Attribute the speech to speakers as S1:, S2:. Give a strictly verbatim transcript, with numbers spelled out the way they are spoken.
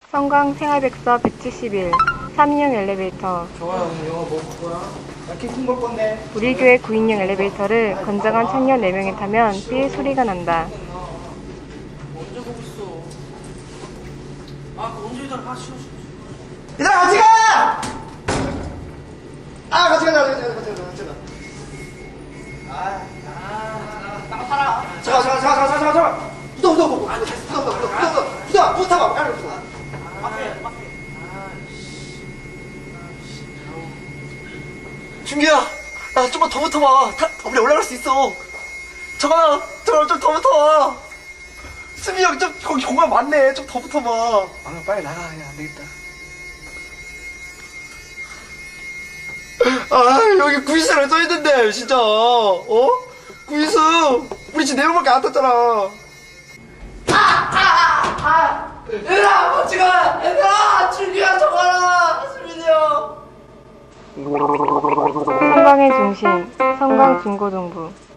S1: 성광 생활백서 백칠십일 삼 인용 엘리베이터.
S2: 정아야, 오늘 영화 뭐 볼 거야? 나 킹콩 볼 건데.
S1: 우리 교회 구 인용 엘리베이터를 건장한 청년 네 명이 타면 삐 소리가 난다.
S2: 언제 보고 있어? 아, 그 언제 이따가 같이 쉬어줘. 얘들아, 같이 가! 아, 같이 가자, 같이 가자, 같이 가자, 같이 가자. 아, 아, 나 살아. 잠깐, 잠깐, 잠깐, 잠깐, 잠깐, 잠깐. 붙어, 붙어, 붙어. 아니, 붙어, 붙어, 붙어, 붙어, 붙어, 붙어, 붙어, 타봐, 빨리 붙어. 앞에, 앞에. 준규야, 나 좀만 더 붙어봐. 타, 우리 올라갈 수 있어. 정아, 정아 좀 더 붙어봐. 수빈이 형 좀 거기 공간 많네. 좀 더 붙어봐. 아, 빨리 나가. 야, 안 되겠다. 아, 여기 구이수라고 써있는데, 진짜. 어? 구이수. 우리 지금 네 명밖에 안 탔잖아. 아! 아! 아! 얘들아, 같이 가! 얘들아! 준규야, 정아라! 수빈이 형.
S1: 성광의 중심, 성광중고등부.